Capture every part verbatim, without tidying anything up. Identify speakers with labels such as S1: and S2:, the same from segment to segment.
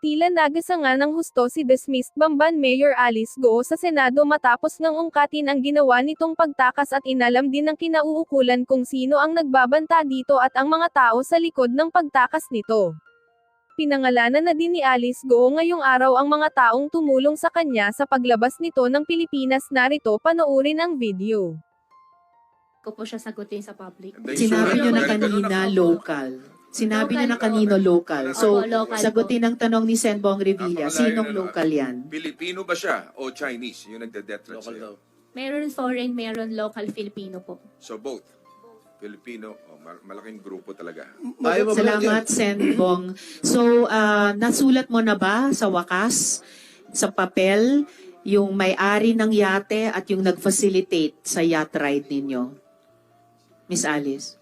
S1: Tila nagasanga ng husto si dismissed Bamban Mayor Alice Go sa Senado matapos ngang ungkatin ang ginawa nitong pagtakas at inalam din ng kinauukulan kung sino ang nagbabanta dito at ang mga tao sa likod ng pagtakas nito. Pinangalanan na din ni Alice Go ngayong araw ang mga taong tumulong sa kanya sa paglabas nito ng Pilipinas. Narito panoorin ang video.
S2: Ko po siya sagutin sa public.
S3: Sinabi niyo na kanina local. Sinabi niyo na kanino local. So,
S2: Opo, local
S3: sagutin ang tanong ni Senbong Revilla,
S4: Napakalayo
S3: sinong
S4: na, no?
S3: local yan?
S4: Pilipino ba siya o Chinese? Yung nagde-death threat sa'yo.
S2: Meron foreign, meron local Filipino po.
S4: So both. Filipino, oh, mal- malaking grupo talaga.
S3: Salamat, Senbong. So, ah, nasulat mo na ba sa wakas, sa papel, yung may-ari ng yate at yung nag-facilitate sa yacht ride ninyo? Miss Alice?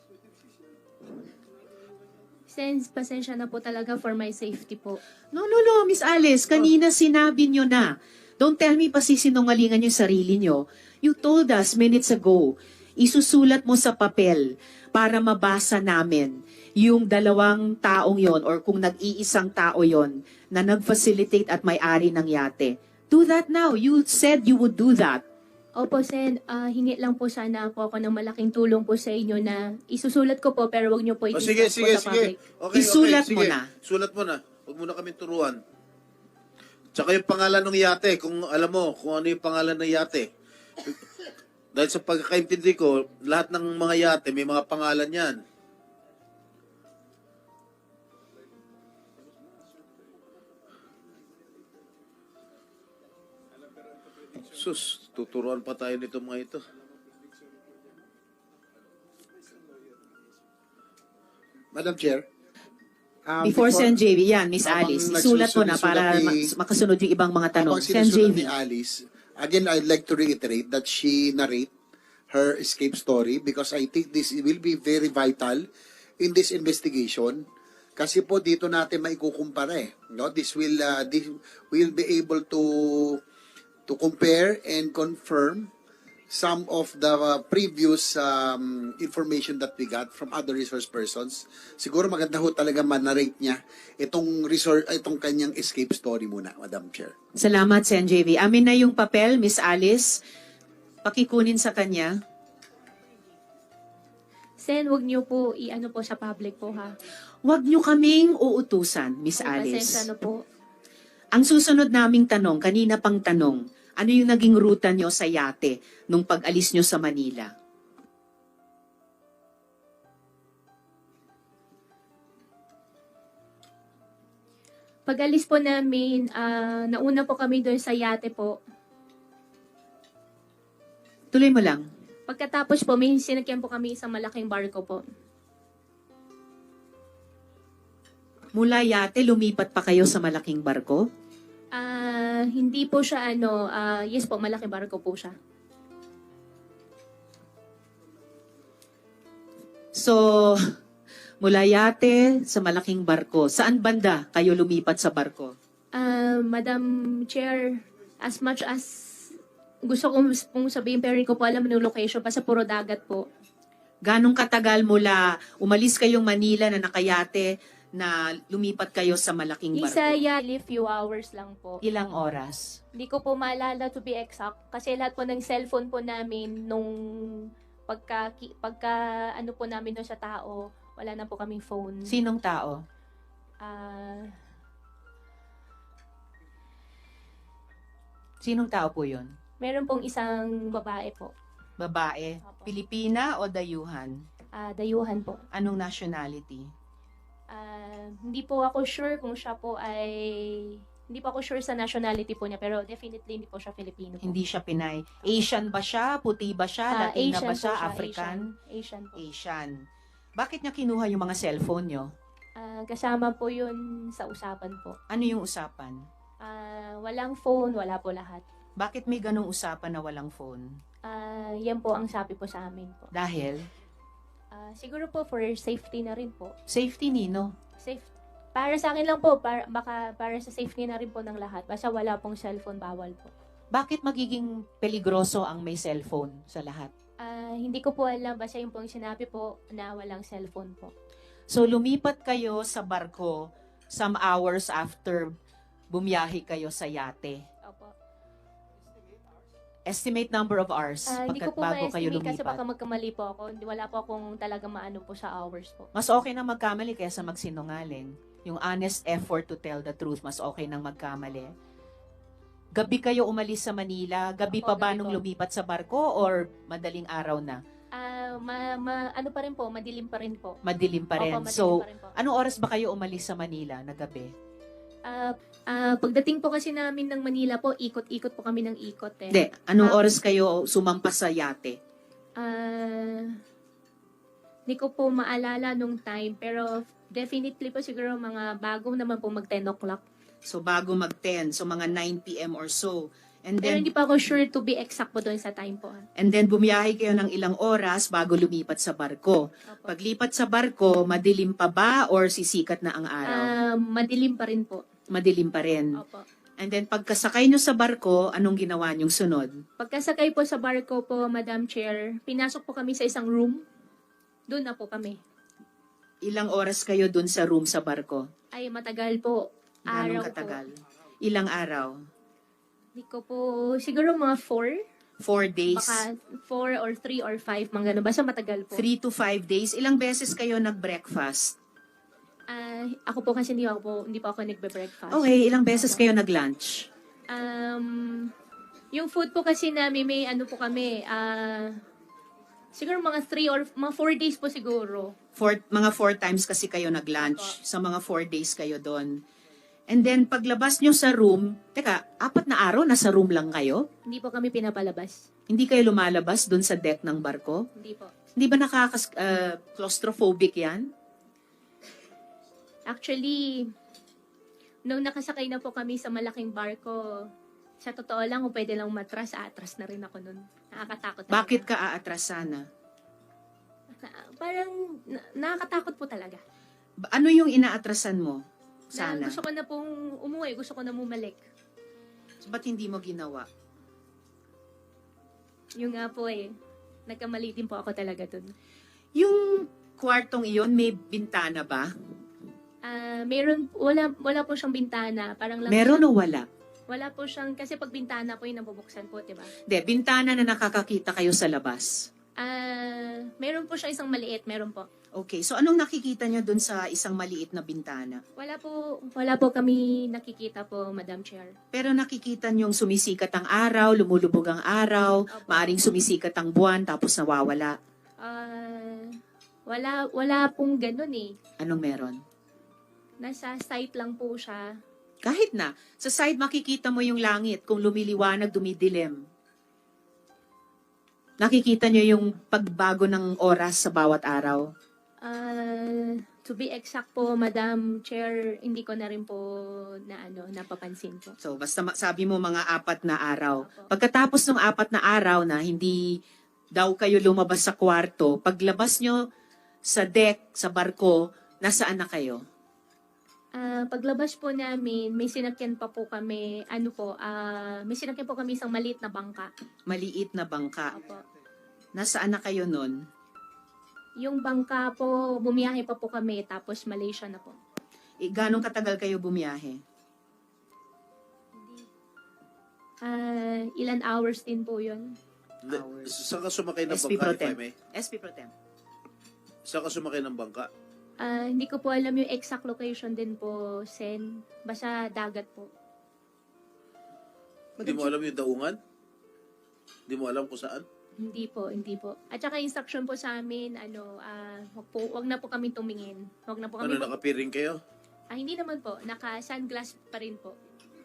S2: Since pasensya na po talaga for my safety po.
S3: No, no, no, Miss Alice, kanina sinabi nyo na. Don't tell me pa sisinungalingan yung sarili nyo. You told us minutes ago, isusulat mo sa papel para mabasa namin yung dalawang taong yon or kung nag-iisang tao yon na nag-facilitate at may-ari ng yate. Do that now. You said you would do that.
S2: Opo, Sen, ah, hingi lang po sana po ako ng malaking tulong po sa inyo na isusulat ko po pero wag niyo po
S5: O
S2: i-discuss
S5: sige,
S2: po
S5: sige,
S2: sa
S5: sige.
S2: public.
S5: Okay,
S3: Isulat
S5: okay,
S3: mo
S5: sige.
S3: na.
S5: Sulat mo na. Huwag mo na kami turuan. Tsaka yung pangalan ng yate, kung alam mo kung ano yung pangalan ng yate. Dahil sa pagkakaintindi ko, lahat ng mga yate may mga pangalan yan. Sus, tuturuan pa tayo nito mga ito.
S6: Madam Chair. um,
S3: Before Sen J V, yan, Miss
S6: habang
S3: Alice, isulat mo na para
S6: nagsusulat ni-
S3: ma- makasunod yung ibang mga tanong.
S6: habang
S3: Sen J
S6: sinusunod
S3: V.
S6: ni Alice, again, I'd like to reiterate that she narrate her escape story because I think this will be very vital in this investigation. Kasi po dito natin maikukumpara eh. No? This will uh, this will be able to to compare and confirm some of the uh, previous um, information that we got from other resource persons. Siguro maganda ho talaga man-narrate niya itong resource, itong kanyang escape story muna, Madam Chair.
S3: Salamat, Sen J V. Amin na yung papel, Miss Alice. Pakikunin sa kanya.
S2: Sen, wag niyo po i-ano po sa public po ha.
S3: Huwag niyo kaming uutusan, Miss
S2: Pasensya
S3: Alice.
S2: na po.
S3: Ang susunod naming tanong, kanina pang tanong, ano yung naging ruta niyo sa yate nung pag-alis niyo sa Manila?
S2: Pag-alis po namin, ah, nauna po kami doon sa yate po.
S3: Tuloy mo lang.
S2: Pagkatapos po, may sinakyan po kami isang malaking barko po.
S3: Mula yate, lumipat pa kayo sa malaking barko?
S2: Ah, hindi po siya ano, ah, yes po, malaking barko po siya.
S3: So, mula yate sa malaking barko. Saan banda kayo lumipat sa barko?
S2: Ah, Madam Chair, as much as gusto kong pong sabihin, pero hindi ko po alam yung location, basta puro dagat po.
S3: Ganong katagal mula umalis kayong Manila na nakayate na lumipat kayo sa malaking barko?
S2: Isa yali, few hours lang po.
S3: Ilang oras?
S2: Hindi ko po maalala to be exact, kasi lahat po ng cellphone po namin nung pagka, ki- pagka ano po namin doon sa tao, wala na po kaming phone.
S3: Sinong tao?
S2: Ah,
S3: Sinong tao po yun?
S2: meron pong isang babae po,
S3: Babae?
S2: Opo.
S3: Pilipina o dayuhan?
S2: ah, dayuhan po.
S3: Anong nationality?
S2: Ah, hindi po ako sure kung siya po ay, hindi po ako sure sa nationality po niya, pero definitely hindi po siya Filipino po.
S3: Hindi siya Pinay. Asian ba siya? Puti ba siya?
S2: Ah,
S3: Latina
S2: Asian
S3: ba
S2: po
S3: siya?
S2: siya,
S3: African?
S2: Asian, Asian po.
S3: Asian. Bakit niya kinuha yung mga cellphone niyo?
S2: Ah, kasama po yun sa usapan po.
S3: Ano yung usapan?
S2: Ah, walang phone, wala po lahat.
S3: Bakit may ganong usapan na walang phone?
S2: Ah, yan po ang sabi po sa amin po.
S3: Dahil?
S2: Ah, siguro po for safety na rin po.
S3: Safety nino.
S2: Safe. Para sa akin lang po, para, baka para sa safety na rin po ng lahat. Basta wala pong cellphone, bawal po.
S3: Bakit magiging peligroso ang may cellphone sa lahat?
S2: Ah, hindi ko po alam, basta yung pong sinabi po na walang cellphone po.
S3: So lumipat kayo sa barko some hours after
S7: bumiyahe kayo sa yate.
S2: Opo.
S7: Estimate number of hours
S2: Ah, hindi ko
S7: pagkat
S2: po
S7: bago kayo
S2: ma-estimate kasi
S7: lumipat.
S2: baka magkamali po ako. Hindi- Wala po akong talaga maano po sa hours po.
S7: Mas okay na magkamali kaysa magsinungaling. Yung honest effort to tell the truth, mas okay nang magkamali. Gabi kayo umalis sa Manila? Gabi
S2: Opo,
S7: pa ba
S2: gabi
S7: nung
S2: po.
S7: lumipat sa barko or madaling araw na?
S2: Ah, ma, ma- ano pa rin po, madilim pa rin po.
S7: Madilim pa rin.
S2: Opo, madilim
S7: So,
S2: pa rin po.
S7: anong oras ba kayo umalis sa Manila na gabi?
S2: Ah, ah, pagdating po kasi namin ng Manila po, ikot-ikot po kami ng ikot eh.
S3: Hindi, anong
S2: Ah.
S3: oras kayo sumampas sa yate?
S2: Ah, hindi ko po maalala nung time, pero definitely po siguro mga bago naman po mag ten o'clock.
S3: So bago mag ten, so mga nine p m or so. And
S2: Pero
S3: then
S2: hindi pa ako sure to be exact po doon sa time po. ah.
S3: and then bumiyahe kayo ng ilang oras bago lumipat sa barko.
S2: Opo.
S3: Paglipat sa barko, madilim pa ba or sisikat na ang araw?
S2: Ah, madilim pa rin po.
S3: Madilim pa rin.
S2: Opo.
S3: And then pagkasakay nyo sa barko, anong ginawa nyong sunod?
S2: Pagkasakay po sa barko po, Madam Chair, pinasok po kami sa isang room. Doon na po kami.
S3: Ilang oras kayo dun sa room sa barko?
S2: Ay, matagal po.
S3: Ganong
S2: Araw
S3: katagal?
S2: po.
S3: Ilang araw?
S2: Hindi ko po, siguro mga four.
S3: Four days?
S2: Baka four or three or five, mga ganun. Basta matagal po.
S3: Three to five days? Ilang beses kayo nag-breakfast?
S2: Ah, ako po kasi hindi ako po, hindi po ako nagbe-breakfast.
S3: Okay, ilang beses kayo nag-lunch?
S2: Um, yung food po kasi namin, may ano po kami, ah, siguro mga three or, mga four days po siguro.
S3: Four, mga four times kasi kayo nag-lunch. Sa mga four days kayo doon. And then, paglabas nyo sa room, teka, apat na araw, nasa room lang kayo?
S2: Hindi po kami pinapalabas.
S3: Hindi kayo lumalabas doon sa deck ng barko?
S2: Hindi po.
S3: Hindi ba nakakas uh, claustrophobic yan?
S2: Actually, nung nakasakay na po kami sa malaking barko, sa totoo lang, kung pwede lang matras, atras na rin ako nun. Nakakatakot talaga.
S3: Bakit ka aatras sana?
S2: Na- parang, na- nakakatakot po talaga.
S3: Ba- Ano yung inaatrasan mo?
S2: Na
S3: Sana.
S2: gusto ko na pong umuwi, gusto ko na bumalik.
S3: So, ba't hindi mo ginawa?
S2: Yung nga po eh, nagkamali din po ako talaga dun.
S3: Yung kwartong iyon, may bintana ba?
S2: Ah, meron, wala, wala po siyang bintana. Parang lang
S3: Meron
S2: siya-
S3: o wala?
S2: Wala po siyang, kasi pag bintana po yung nabubuksan po, diba?
S3: Hindi, bintana na nakakakita kayo sa labas.
S2: Ah, meron po siya isang maliit, meron po.
S3: Okay, so anong nakikita nyo dun sa isang maliit na bintana?
S2: Wala po, wala po kami nakikita po, Madam Chair.
S3: Pero nakikita nyong sumisikat ang araw, lumulubog ang araw,
S2: Opo.
S3: maaring sumisikat ang buwan, tapos nawawala.
S2: Ah, wala, wala pong ganun eh.
S3: Anong meron?
S2: Nasa site lang po siya.
S3: Kahit na, sa side makikita mo yung langit, kung lumiliwanag, dumidilim. Nakikita nyo yung pagbago ng oras sa bawat araw.
S2: Ah, to be exact po, Madam Chair, hindi ko na rin po na ano, napapansin po.
S3: So, basta ma- sabi mo mga apat na araw.
S2: Opo.
S3: Pagkatapos ng apat na araw na hindi daw kayo lumabas sa kwarto, paglabas nyo sa deck, sa barko, nasaan na kayo?
S2: Ah, paglabas po namin, may sinakyan pa po kami, ano po, ah, may sinakyan po kami isang maliit na bangka.
S3: Maliit na bangka.
S2: Opo.
S3: Nasaan na kayo nun?
S2: Yung bangka po, bumiyahe pa po kami, tapos Malaysia na po.
S3: E, ganong katagal kayo bumiyahe?
S2: Ah, ilan hours din po yun.
S5: Hindi,
S3: Hours.
S5: Saan ka sumakay ng
S3: S P
S5: bangka,
S3: Pro
S5: if I
S3: Tem.
S5: may?
S3: S P Pro Tem.
S5: Saan ka sumakay ng bangka?
S2: Ah, hindi ko po alam yung exact location din po, Sen. Basta dagat po.
S5: Hindi mo alam yung daungan? Hindi mo alam kung saan?
S2: Hindi po, hindi po. At saka instruction po sa amin, ano, ah, wag, po, wag na po kami tumingin. Wag na po
S5: Ano,
S2: kami mag-
S5: nakapiring kayo?
S2: Ah, hindi naman po. Naka-sunglass pa rin po.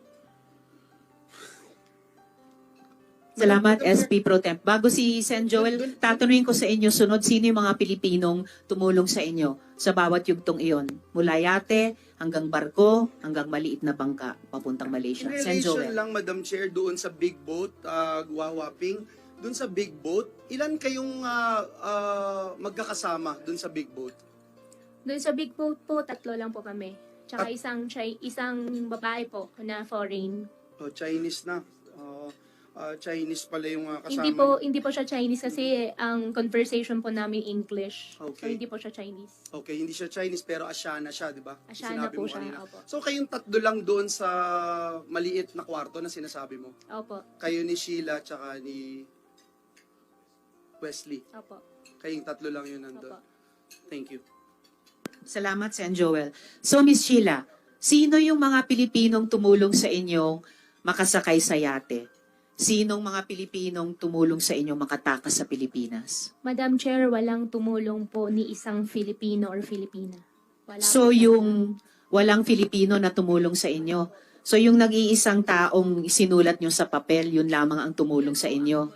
S3: Salamat, S P Pro Temp. Bago si Sen Joel, tatanungin ko sa inyo sunod, sino yung mga Pilipinong tumulong sa inyo sa bawat yugtong iyon? Mula yate, hanggang barko, hanggang maliit na bangka, papuntang Malaysia.
S8: In
S3: Sen
S8: relation
S3: Joel.
S8: lang, Madam Chair, doon sa big boat, uh, Guwawaping, doon sa big boat, ilan kayong ah, ah, magkakasama doon sa big boat?
S2: Doon sa big boat po, tatlo lang po kami. Tsaka isang, Chi- isang babae po na foreign.
S8: Oh, Chinese na. Uh, ah, Chinese pala yung ah, kasama.
S2: Hindi po hindi po siya Chinese kasi ang conversation po namin English. So
S8: Okay.
S2: hindi po siya Chinese.
S8: Okay, hindi siya Chinese pero Asiana siya, di ba?
S2: Asiana
S8: Sinabi
S2: po
S8: mo
S2: siya,
S8: kanina.
S2: opo.
S8: So kayong tatlo lang doon sa maliit na kwarto na sinasabi mo?
S2: Opo.
S8: Kayo ni Sheila tsaka ni Wesley.
S2: Opo.
S8: Kayong tatlo lang yun nandun.
S2: Opo.
S8: Thank you.
S3: Salamat, Sen Joel. So, Miss Sheila, sino yung mga Pilipinong tumulong sa inyong makasakay sa yate? Sinong mga Pilipinong tumulong sa inyong makatakas sa Pilipinas?
S2: Madam Chair, walang tumulong po ni isang Filipino or Filipina. Wala
S3: So,
S2: po talaga.
S3: yung walang Filipino na tumulong sa inyo. So, yung nag-iisang taong sinulat nyo sa papel, yun lamang ang tumulong sa inyo.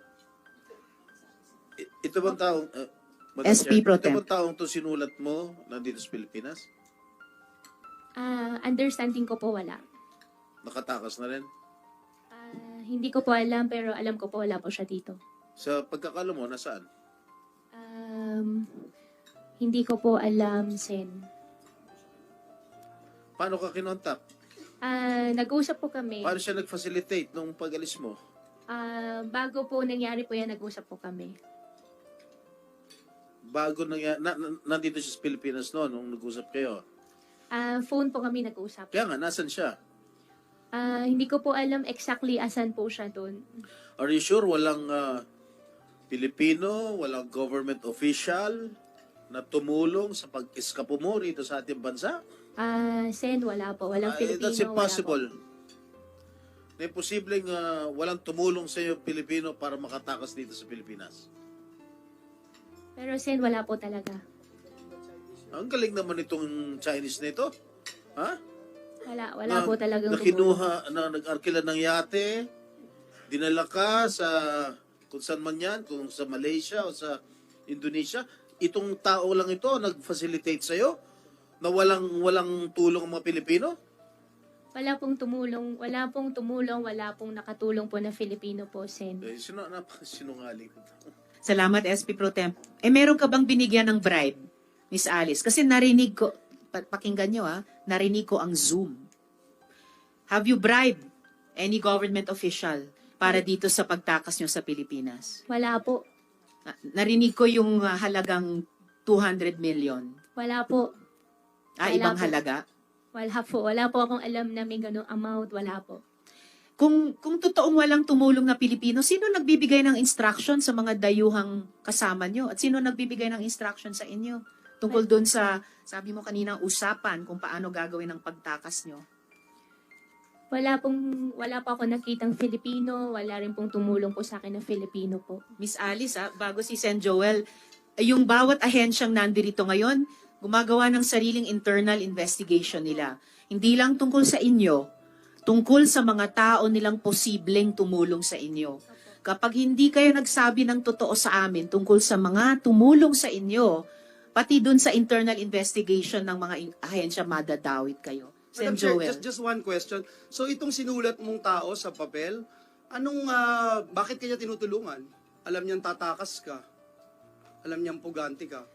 S5: I- Ito bang taong, uh, Madam
S3: S P
S5: Chair,
S3: Pro
S5: ito
S3: Temp.
S5: bang taong to sinulat mo nandito sa Pilipinas?
S2: Ah, understanding ko po wala.
S5: Nakatakas na rin?
S2: Ah, hindi ko po alam pero alam ko po wala po siya dito.
S5: Sa pagkakalo mo, nasaan?
S2: Um, hindi ko po alam, Sen.
S5: Paano ka kinontak?
S2: Ah, nag-usap po kami.
S5: Paano siya nag-facilitate nung pag-alis mo?
S2: Ah, bago po nangyari po yan, nag-usap po kami.
S5: Bago na, na, na nandito siya sa Pilipinas noon nung nag-usap kayo.
S2: Ah, phone po kami nag-usap.
S5: Kaya nga, nasan siya?
S2: Ah, hindi ko po alam exactly asan po siya doon.
S5: Are you sure walang ah, Pilipino, walang government official na tumulong sa pag-eskapo mo rito sa ating bansa?
S2: Ah, Sen, wala po. Walang
S5: Ah,
S2: Filipino.
S5: that's impossible. Na imposibleng ah, walang tumulong sa iyo Pilipino para makatakas dito sa Pilipinas.
S2: Wala po. Pero Sen, wala po talaga.
S5: Ang galing naman itong Chinese na ito. Ha?
S2: Wala, wala
S5: na,
S2: po talagang
S5: na kinuha, na nag-arkila ng yate, dinala ka sa kung saan man yan, kung sa Malaysia o sa Indonesia. Itong tao lang ito nag-facilitate sa'yo na walang walang tulong ang mga Pilipino?
S2: Wala pong tumulong, wala pong tumulong, wala pong nakatulong po na Filipino po, Sen.
S5: Eh, sino, napakasinungaling.
S3: Salamat, S P Pro Temp. Eh, meron ka bang binigyan ng bribe, Miss Alice? Kasi narinig ko, pa- pakinggan nyo ah, narinig ko ang Zoom. Have you bribed any government official para dito sa pagtakas nyo sa Pilipinas?
S2: Wala po.
S3: Na- Narinig ko yung ah, halagang two hundred million.
S2: Wala po.
S3: Ah,
S2: Wala
S3: ibang
S2: po.
S3: halaga.
S2: Wala po. Wala po akong alam na may ganung amount. Wala po.
S3: Kung kung totoong walang tumulong na Pilipino, sino nagbibigay ng instruction sa mga dayuhang kasama nyo? At sino nagbibigay ng instruction sa inyo? Tungkol doon sa, sabi mo kanina, usapan kung paano gagawin ang pagtakas nyo.
S2: Wala pong, wala pa ako nakitang Filipino. Wala rin pong tumulong po sa akin na Filipino po.
S3: Miss Alice, ah, bago si Sen Joel, eh, yung bawat ahensyang nandirito ngayon, gumagawa ng sariling internal investigation nila. Hindi lang tungkol sa inyo, tungkol sa mga tao nilang posibleng tumulong sa inyo. Kapag hindi kayo nagsabi ng totoo sa amin tungkol sa mga tumulong sa inyo, pati dun sa internal investigation ng mga in- ahensya, madadawit kayo. Sen
S8: Madam Chair,
S3: Joel.
S8: just, just one question. So itong sinulat mong tao sa papel, anong, ah, bakit kanya tinutulungan? Alam niyang tatakas ka. Alam niyang puganti ka.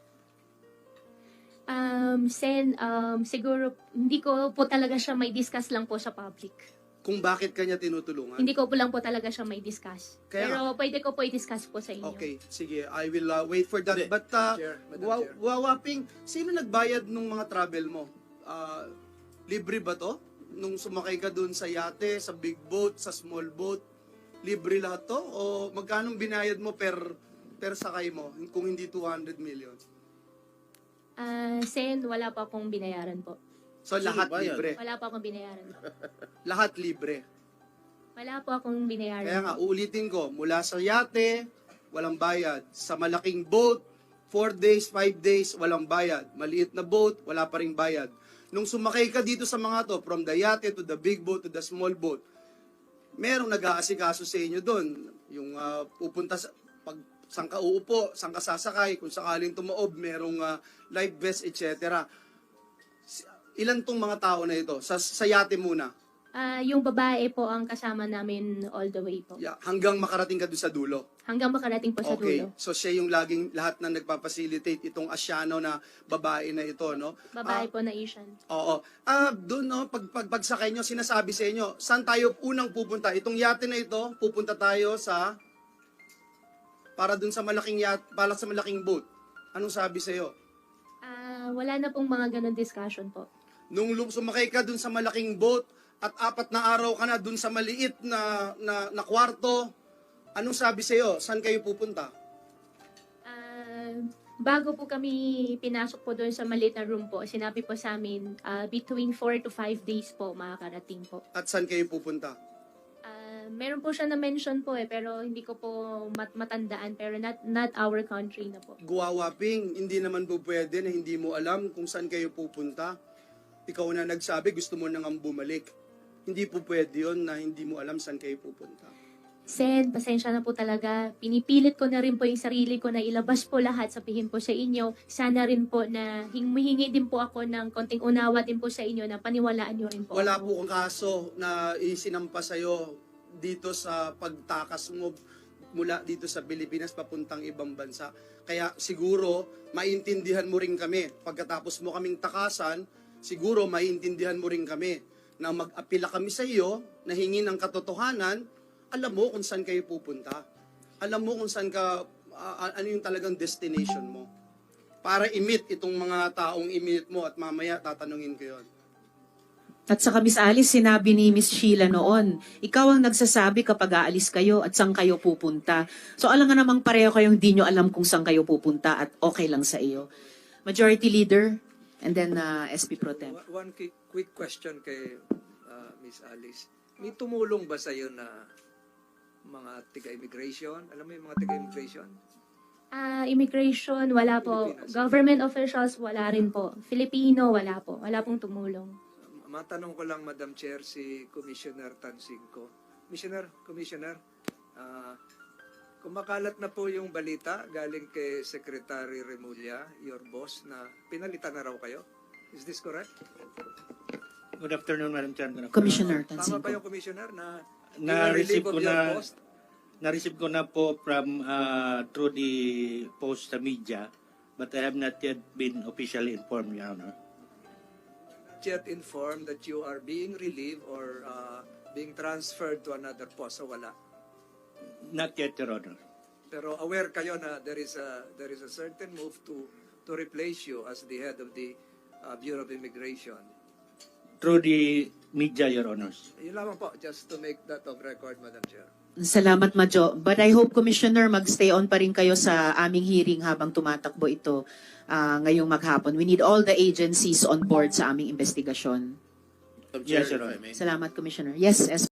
S2: Um, Sen, um, siguro, hindi ko po talaga siya may discuss lang po sa public.
S8: Kung bakit kanya tinutulungan?
S2: Hindi ko po lang po talaga siya may discuss.
S8: Kaya
S2: Pero pwede ko po i-discuss po sa inyo.
S8: Okay, sige. I will uh, wait for that.
S5: Hindi.
S8: But, uh,
S4: Chair, Madam
S8: wa-
S4: Chair.
S8: wawaping, sino nagbayad nung mga travel mo? Ah, libre ba to? Nung sumakay ka dun sa yate, sa big boat, sa small boat, libre lahat to? O magkano binayad mo per per sakay mo kung hindi two hundred million?
S2: Ah, Sen, wala pa akong binayaran po.
S8: So
S5: Sino
S8: lahat
S5: bayad?
S8: libre.
S2: Wala pa akong binayaran.
S8: Lahat libre.
S2: Wala po akong binayaran.
S8: Kaya nga, uulitin ko, mula sa yate, walang bayad. Sa malaking boat, four days, five days, walang bayad. Maliit na boat, wala pa ring bayad. Nung sumakay ka dito sa mga to, from the yate to the big boat to the small boat, merong nag-aasikaso sa inyo doon. Yung ah, pupunta sa, pag saan ka uupo, saan ka sasakay, kung sakaling tumaob, merong ah, life vest, et cetera. Ilan tong mga tao na ito? Sa, sa yate muna.
S2: Ah, yung babae po ang kasama namin all the way po.
S8: Yeah, hanggang makarating ka doon sa dulo.
S2: Hanggang makarating po sa
S8: Okay.
S2: dulo.
S8: So siya yung laging lahat na nagpapacilitate itong Asiano na babae na ito, no?
S2: Babae
S8: Ah,
S2: po na Asian.
S8: Oo. Ah, doon no, pag, pag pagsakay nyo, sinasabi sa inyo, saan tayo unang pupunta? Itong yate na ito, pupunta tayo sa para doon sa malaking yate, para sa malaking boat. Anong sabi sa iyo?
S2: Ah, wala na pong mga ganun discussion po.
S8: Nung lum- sumakay ka doon sa malaking boat at apat na araw ka na doon sa maliit na na, na kwarto, anong sabi sa iyo? Saan kayo pupunta?
S2: Ah, bago po kami pinasok po doon sa maliit na room po, sinabi po sa amin, ah, between four to five days po makakarating po.
S8: At saan kayo pupunta?
S2: Ah, meron po siya na mention po eh, pero hindi ko po mat matandaan, pero not not our country na po.
S8: Guwawaping, hindi naman po pwede na hindi mo alam kung saan kayo pupunta. Ikaw na nagsabi, gusto mo nang bumalik. Hindi po pwede yun na hindi mo alam saan kayo pupunta.
S2: Sen, pasensya na po talaga. Pinipilit ko na rin po yung sarili ko na ilabas po lahat, sabihin po sa inyo. Sana rin po na humihingi din po ako ng konting unawa din po sa inyo na paniwalaan nyo rin po
S8: Wala
S2: ako.
S8: po kang kaso na isinampa sa'yo dito sa pagtakas mo mula dito sa Pilipinas papuntang ibang bansa. Kaya siguro, maintindihan mo rin kami. Pagkatapos mo kaming takasan, siguro maintindihan mo rin kami na mag-apila kami sa iyo, na hingi ng katotohanan, alam mo kung saan kayo pupunta. Alam mo kung saan ka, ah, ano yung talagang destination mo. Para i-meet itong mga taong i-meet mo at mamaya tatanungin ko yun.
S3: At saka Miss Alice, sinabi ni Miss Sheila noon, ikaw ang nagsasabi kapag aalis kayo at saan kayo pupunta. So alam nga namang pareho kayong di nyo alam kung saan kayo pupunta at okay lang sa iyo. Majority Leader, and then uh, S P Pro Tem.
S9: One- One quick, quick question kay uh, Miss Alice. May tumulong ba sa'yo na mga tiga-immigration? Alam mo yung mga tiga-immigration?
S2: Ah, immigration, wala po.
S9: Pilipinas.
S2: Government officials, wala rin po. Filipino, wala po. Wala pong tumulong.
S9: Matanong ko lang, Madam Chair, si Commissioner Tansingco. Commissioner, Commissioner, ah, kumakalat na po yung balita galing kay Secretary Remulla, your boss, na pinalitan na raw kayo. Is this correct?
S10: Good afternoon, Madam Chair. Good afternoon.
S3: Commissioner
S9: Tama ba
S3: Tansingco.
S9: yung Commissioner na
S10: Na-receive
S9: relieve
S10: ko
S9: of your
S10: na
S9: post?
S10: na-receive ko na po from uh, through the post sa media, but I have not yet been officially informed, Your Honor.
S9: Yet informed that you are being relieved or uh, being transferred to another post, so wala.
S10: Not yet, Your Honor.
S9: Pero aware kayo na there is a there is a certain move to to replace you as the head of the uh, Bureau of Immigration.
S10: Through the media, Your Honors.
S9: Yun lamang po, just to make that of record, Madam Chair.
S3: Salamat, Majo. But I hope, Commissioner, mag-stay on pa rin kayo sa aming hearing habang tumatakbo ito ah, ngayong maghapon. We need all the agencies on board sa aming investigasyon.
S5: Madam
S10: Yes,
S5: Chair,
S10: Your
S5: if I
S10: Honor.
S5: may.
S3: Salamat, Commissioner. Yes, S